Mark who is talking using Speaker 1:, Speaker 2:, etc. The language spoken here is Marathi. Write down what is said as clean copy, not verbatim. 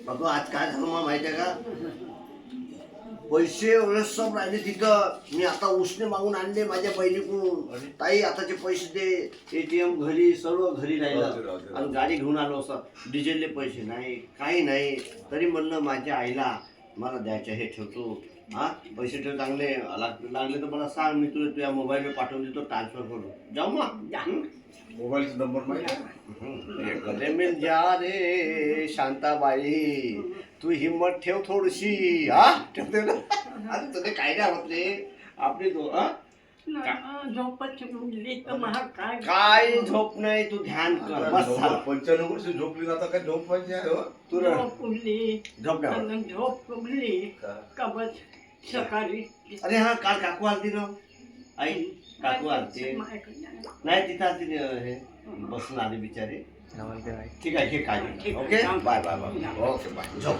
Speaker 1: अगं आज काय झालं मला माहिती आहे का, पैसे सब राहिले तिथं. मी आता उसने मागून आणले माझ्या बहिणीकडून. ताई आताचे पैसे दे. ATM घरी, सर्व घरी राहिलं. आणि गाडी घेऊन आलो असं. डिझेलले पैसे नाही, काही नाही. तरी म्हणलं माझ्या आईला मला द्यायचं हे ठेवतो. हा पैसे ठेव, चांगले लागले तर मला सांग, मी तुला तुझ्या मोबाईलवर पाठवून देतो ट्रान्सफर करून. जाऊ मग.
Speaker 2: मोबाईलचा नंबर माहिती
Speaker 1: गले मिल जा रे शांताबाई, तू हिम्मत ठेव थोडीशी. हा ठेवते ना. अरे तुझे काय नाही होत रे आपली तो.
Speaker 3: झोपच उडली तर महा काय
Speaker 1: काय झोप नाही, तू ध्यान कर बस झालं.
Speaker 2: 95 वर्ष झोपली ना, आता काय झोप पाहिजे आहे हो?
Speaker 1: तू
Speaker 3: झोप उडली
Speaker 1: झोप नाही.
Speaker 3: आणि झोप उडली कबच सकाळी.
Speaker 1: अरे हा काल काकू आलती ना, आई काकू आलती नाही तिथं आलती हे बसून आले बिचारे. ठीक आहे, घे काळजी. Okay bye bye bye. Okay bye. झोप